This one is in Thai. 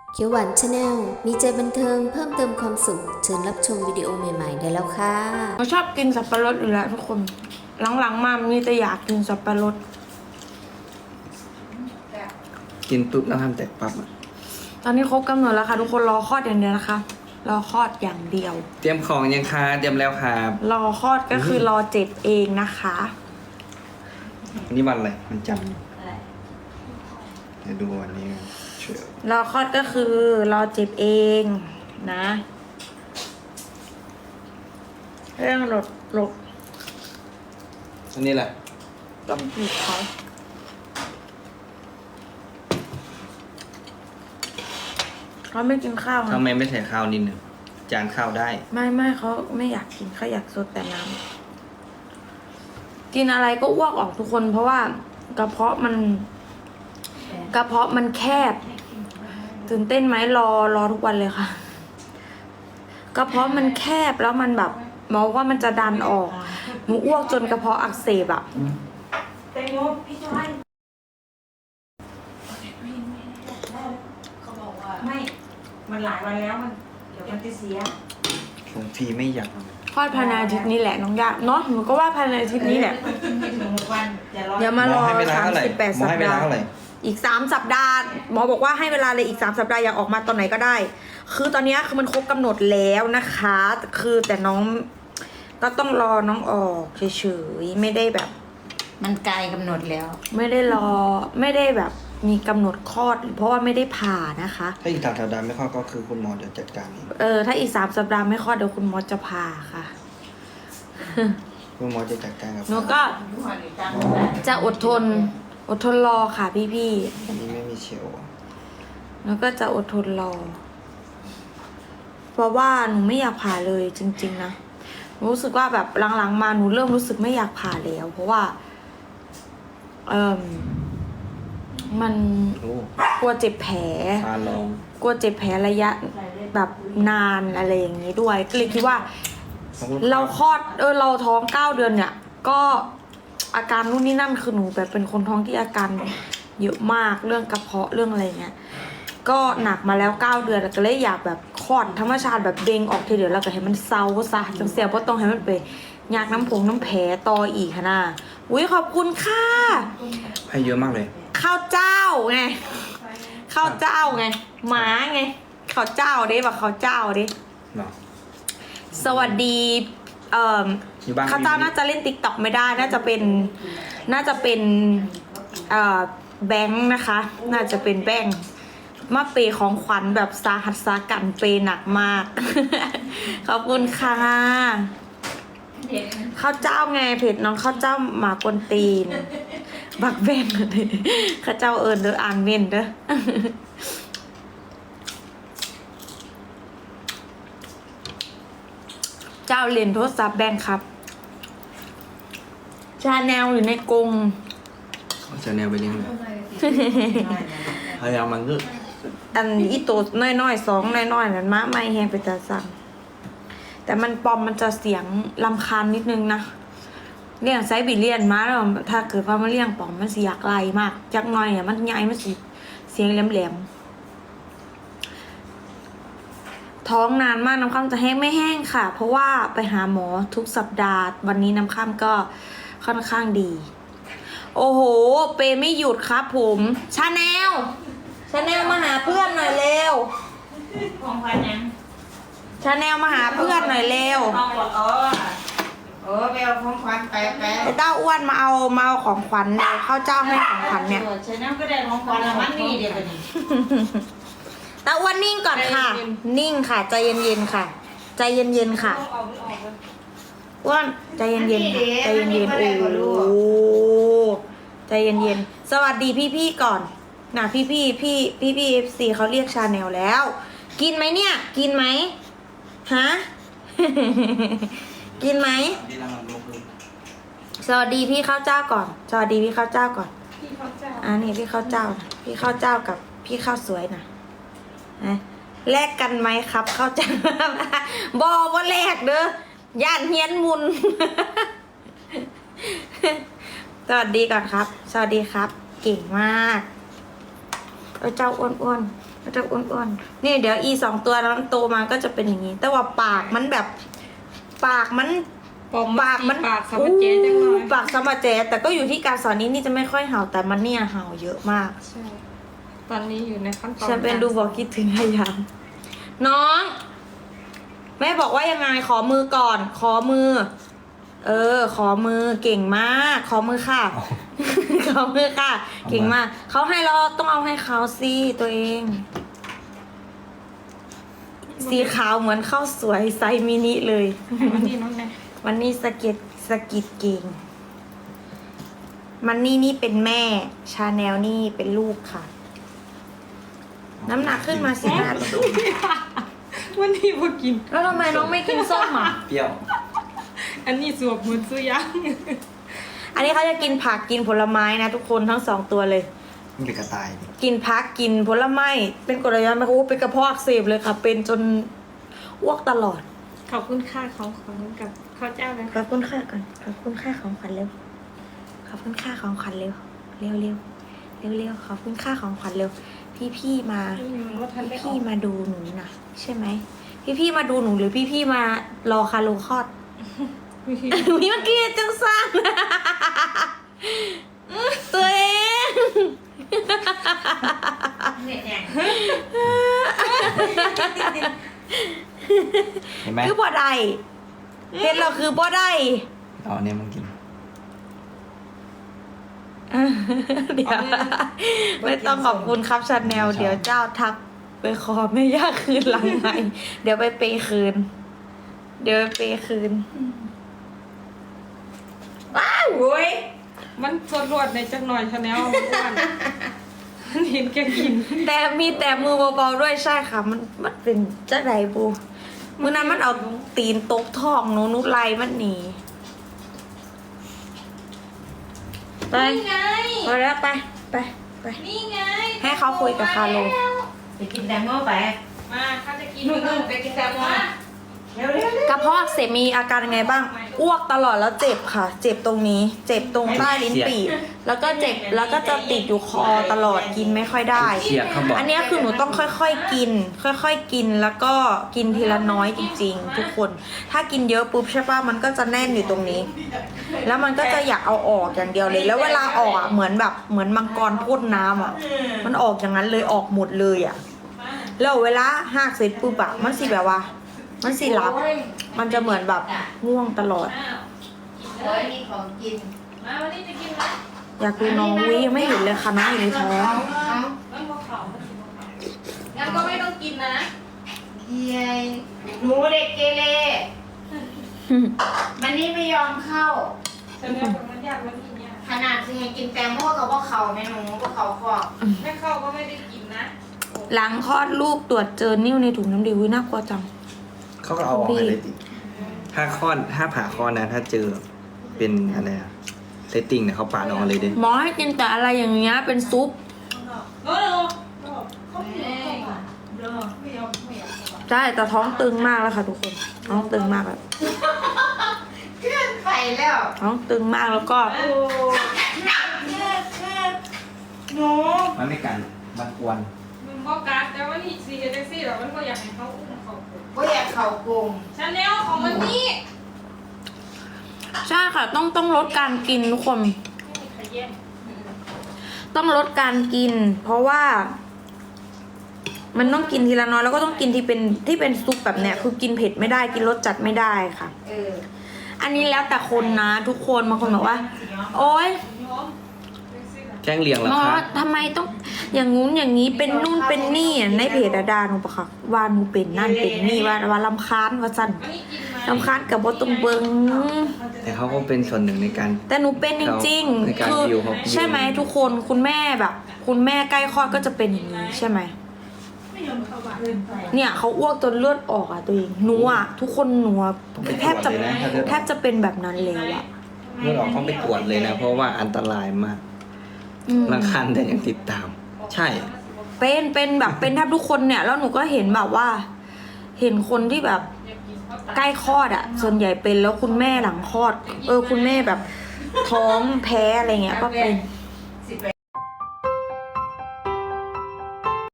เขียวหวานชาแนลมีใจบันเทิงเพิ่มเติมความสุขเชิญรับชมวิดีโอใหม่ๆได้แล้วค่ะเราชอบกินสับปะรดอยู่แล้วทุกคนหลังๆมามีแต่อยากกินสับปะรดกินปุ๊บแล้วทำแตกปั๊บอะตอนนี้ครบกำหนดแล้วค่ะทุกคนรอคลอดอย่างเดียวนะคะรอคลอดอย่างเดียวเตรียมของยังคะเตรียมแล้วครับรอคลอดก็คือรอเจ็ดเองนะคะวันนี้วันอะไรมันจำเดี๋ยวดูวันนี้เชื่อรอคลอดก็คือรอเจ็บเองนะเรื่องหลบอันนี้แหละต้องจีบเขาไม่กินข้าวนะทำไมไม่ใส่ข้าวนิดหนึ่งจานข้าวได้ไม่เขาไม่อยากกินเขาอยากสดแต่น้ำกินอะไรก็อ้วกออกทุกคน เพราะว่ากระเพาะมันแคบตื่นเต้นไหมรอทุกวันเลยค่ะกระเพาะมันแคบแล้วมันแบบหมอว่ามันจะดันออกหนูอ้วกจนกระเพาะอักเสบอะแตงโมพี่จอยเขาบอกว่าไม่ มันหลายวันแล้วเดี๋ยวมันจะเสียผมฟรีไม่อยากคลอดภายในอาทิตย์นี้แหละน้องยาเนาะหนูก็ว่าภายในอาทิตย์นี้แหละไม่ถึง6 วันจะรอเดี๋ยวมารอให้เวลาเท่าไหร่ 38 หมอสัปให้เวลาดาห์เท่าไหร่อีก3 สัปดาห์หมอบอกว่าให้เวลาเลยอีก3 สัปดาห์อยากออกมาตอนไหนก็ได้ คือตอนนี้คือมันครบกำหนดแล้วนะคะคือแต่น้องก็ต้องรอน้องออกเฉยๆไม่ได้แบบมันไกลกำหนดแล้วไม่ได้รอไม่ได้แบบมีกำหนดคลอดเพราะว่าไม่ได้ผ่านะคะถ้าอีก3 สัปดาห์ไม่เข้าก็คือคุณหมอเดี๋ยวจัดการเองถ้าอีก3 สัปดาห์ไม่คลอดเดี๋ยวคุณหมอจะผ่าค่ะคุณหมอจะจัดการกับหนูก็จะอดทนรอค่ะพี่อันนี้ไม่มีเชลล์ๆแล้วก็จะอดทนรอ เพราะว่าหนูไม่อยากผ่าเลยจริงๆนะหนูรู้สึกว่าแบบหลังๆมาหนูเริ่มรู้สึกไม่อยากผ่าแล้ว เพราะว่ามันโอ้กลัวเจ็บแผลฟาลองกลัวเจ็บแผลระยะแบบนานอะไรอย่างนี้ด้วยก็เลยคิดว่า เราคลอดเราท้อง9 เดือนเนี่ย ก็อาการนู่นนี่นั่นคือหนูแบบเป็นคนท้องที่อาการเยอะมากเรื่องกระเพาะเรื่องอะไรเงี้ยก็หนักมาแล้ว9 เดือนแล้วก็เลยอยากแบบคลอดธรรมชาติแบบเด้งออกทีเดียวแล้วก็ให้มันเซาซะจังเสียเพราะต้องให้มันไปยากน้ำแผลต่ออีกค่ะนะอุ้ยขอบคุณค่ะให้เยอะมากเลยข้าวเจ้าไงข้าวเจ้าไงหมาไงข้าวเจ้าเด้แบบข้าวเจ้าเด้เนาะสวัสดีอยู่บ้านข้าวเจ้าน่าจะเล่นติ๊กต็อกไม่ได้น่าจะเป็นแบงค์นะคะ น่าจะเป็นแบงค์มาเปย์ของขวัญแบบสาหัสสากันเปย์หนักมาก ขอบคุณค่ะข้าวเจ้าไงเพจน้องข้าวเจ้าหมากวนตีนบักแบงค์ข้าวเจ้าเอิญเด้ออ่านเว้นเด้อ เจ้าเรียนโทรศัพท์แบงค์ครับชาแนลอยู่ในกรงเอาจะแนวไปเลี้ยงเลยพยายามมันก็อันอีโตน้อยๆ2น้อยๆนั่นมาไม่แฮงไปแต่สั่งแต่มันปอมมันจะเสียงลำคาญนิดนึงนะเลี้ยงไซบีเรียนมาแล้วถ้าเกิดว่ามันเลี้ยงปอมมันสิอยากไล่มากจักหน่อยอ่ะมันใหญ่มันสิเสียงแหลมๆท้องนานมากน้ำค่ำจะแห้งไม่แห้งค่ะ เพราะว่าไปหาหมอทุกสัปดาห์วันนี้น้ำค่ำก็ค่อนข้างดีโอ้โหเปไม่หยุดครับผมชาแนลมาหาเพื่อนหน่อยเร็วของขวัญยังชาแนลมาหาเพื่อนหน่อยเร็วของขวัญไปเอาของขวัญไปไอ้เต้าอ้วนมาเอาของขวัญเลยข้าวเจ้าให้ของขวัญเนี่ยใช่น้ำก็ได้ของขวัญแล้วมันนี่เดี๋ยวกันนี่เต้าอ้วนนิ่งก่อนค่ะ นิ่งค่ะใจเย็นๆค่ะ ใจเย็นๆค่ะอ้วนใจเย็นๆค่ะใจเย็นๆโอ้โหใจเย็นๆสวัสดีพี่ๆก่อนนะพี่FC เขาเรียกชาแนลแล้ว กินไหมเนี่ยกินไหมฮะ กินไหมดีแล้วมันลงพื้นสวัสดีพี่ข้าวเจ้าก่อน สวัสดีพี่ข้าวเจ้าก่อนนี่พี่ข้าวเจ้านะพี่ข้าวเจ้ากับพี่ข้าวสวยนะแลกกันไหมครับข้าวเจ้า บอกว่าแลกเด้อย่านเฮียนมุน สวัสดีก่อนครับ สวัสดีครับ เก่งมากเจ้าอ้วนๆมันจะอ้วนๆนี่เดี๋ยวอี2ตัวนั้นโตมาก็จะเป็นอย่างนี้ แต่ว่าปากมันแบบปากมันปากสมัจเจจังหน่อยปากสมัจเจแต่ก็อยู่ที่การสอนนี่จะไม่ค่อยเห่าแต่มันเนี่ยเห่าเยอะมากใช่ตอนนี้อยู่ในขั้นตอนฉันเป็นดูบอกคิดถึงพยายามน้องแม่บอกว่ายังไงขอมือก่อน ขอมือ ขอมือเก่งมาก ขอมือค่ะ ขอมือค่ะ เก่งมากเขาให้เราต้องเอาให้เขาสิตัวเอง สีขาวเหมือนข้าวสวยไซส์มินิเลยวันนี้น้องแน่วันนี้สกิดเก่ง มันนี่เป็นแม่ ชาแนลนี่เป็นลูกค่ะ น้ำหนักขึ้นมา15 โลวันนี้พอกินแล้วทำไมน้องไม่กินส้มอ่ะเปรี้ยวอันนี้สวบเหมือนสุยังอันนี้เขาจะกินผักกินผลไม้นะทุกคนทั้ง2ตัวเลยมันเป็นกระต่ายนี่กินผักกินผลไม้ เป็นกรดไหลย้อนไหมคะเป็นกระเพาะอักเสบเลยค่ะ เป็นจนอ้วกตลอดขอบคุณค่าของกับข้าวเจ้านะขอบคุณค่าก่อนขอบคุณค่าของขวัญเร็ว ขอบคุณค่าของขวัญเร็ว เร็วขอบคุณค่าของขวัญเร็ว พี่มาว่าทันได้อพี่อกมาดูหนูนะใช่ไหมพี่มาดูหนูหรือพี่มารอคาโลคลอด มีเมื่อกี้จังสั้นตัวเองเนี่ยเห็นไหมคือบ่ได้เห็นเราคือบ่ได้เอาอันนี้มันกินเดี๋ยวไม่ต้องขอบคุณครับชาแนลเดี๋ยวเจ้าทักไปขอไม่ยากคืนหลังไหนเดี๋ยวไปเปย์คืนโอ้ยมันสดรวดในจังหน่อยชาแนลอ้วนมันเห็นแกกินแต่มีแต่มือเบาๆด้วยใช่ค่ะ มันเป็นเจ้าใดบูมือนั้นมันเอาตีนตกท้องหนูนุไลมันหนีไปนี่ไงพอแล้วไปนี่ไงให้เขาคุยกับคาโลไปกินแตงโมไปมาเขาจะกินนู่นๆไปกินแตงโม เร็วกระเพาะอักเสบมีอาการยังไงบ้าง อ้วกตลอดแล้วเจ็บค่ะ เจ็บตรงนี้ เจ็บตรงใต้ลิ้นปี่ แล้วก็เจ็บ แล้วก็จะติดอยู่คอตลอดกินไม่ค่อยได้เสียบเขาบอกอันเนี้ยคือหนูต้องค่อยๆกิน ค่อยๆกิน แล้วก็กินทีละน้อยจริงๆ ทุกคน ถ้ากินเยอะปุ๊บใช่ป่ะ มันก็จะแน่นอยู่ตรงนี้ แล้วมันก็จะอยากเอาออกอย่างเดียวเลย แล้วเวลาออกอ่ะ เหมือนมังกรพ่นน้ำอ่ะ มันออกอย่างนั้นเลยออกหมดเลยอ่ะ แล้วเวลาหากเสร็จปุ๊บอะมันสิแบบว่า มันสิหลับ มันจะเหมือนแบบง่วงตลอดโอ้ยมีของกินมาวันนี้จะกินไหมอยากดูน้องวิยังไม่เห็นเลยค่ะน้องอยู่ในท้องมันพอเขามันสิพอเขางั้นก็ไม่ต้องกินนะเย้ยหนูเด็กเกเรมันนี่ไม่ยอมเข้าชาแนลของมันยากมันกินยากขนาดที่ให้กินแตงโมกับพวกเขาแม่หนูพวกเขาคอกแม่เข้าก็ไม่ได้กินนะหลังคลอดลูกตรวจเจอนิ่วในถุงน้ำดีวิน่ากลัวจังเขาก็เอาออกให้เลยติถ้าผ่าคลอดนะ ถ้าเจอเป็นอะไรอะเซตติ้งเนี่ยเขาปาดออกมาเลยเด้หมอให้กินแต่อะไรอย่างเงี้ยเป็นซุปโอ้โหเขาไม่ยอมเข้ามาไม่ยอมใช่แต่ท้องตึงมากแล้วค่ะทุกคน ท้องตึงมากแบบขึ้นไปแล้วท้องตึงมากแล้วก็โอ้หนูมันไม่กันมันกวนมันก็การแต่ว่าที่ซีแท็กซี่เรามันก็อยากให้เขาอุ้มเขาก็อยากเขากรุงชาแนลของมันนี่ใช่ค่ะต้องลดการกินทุกคนไม่มีใครแย่งต้องลดการกิน เพราะว่า มันต้องกินทีละน้อยแล้วก็ต้องกินที่เป็นซุปแบบเนี้ยคือกินเผ็ดไม่ได้กินรสจัดไม่ได้ค่ะเอออันนี้แล้วแต่คนนะทุกคนบางคนบอกว่า โอ๊ยยอมแท็กซี่แจ้งเรียงแล้วหมอครับทำไมต้องอย่างงู้นอย่างนี้เป็นนู่นเป็นนี่อ่ะในเพจอะดาหนูปะค่ะว่าหนูเป็นนั่นเป็นนี่ว่าลำคาญว่าสั่นอันนี้กินไหมลำคาญกับบตรงเบิงแต่เขาก็เป็นส่วนหนึ่งในการแต่หนูเป็นจริงในๆการคือดิวเขาใช่ไหมทุกคนคุณแม่แบบ คุณแม่ใกล้คลอดก็จะเป็นอย่างนี้ใช่ไหมเนี่ยเขาอ้วกจนเลือดออกอ่ะตัวเองหนูอ่ะทุกคนหนูอะแทบจะเป็นแบบนั้นแล้วอ่ะเมื่อออกต้องไปตรวจเลยนะ เพราะว่าอันตรายมากอืมรังคันแต่ยังติดตาม ใช่เป็นแบบเป็นแทบทุกคนเนี่ยแล้วหนูก็เห็นแบบว่า เห็นคนที่แบบใกล้คลอดอ่ะ ส่วนใหญ่เป็นแล้วคุณแม่หลังคลอด คุณแม่แบบท้องแพ้อะไรเงี้ยก็เป็นเ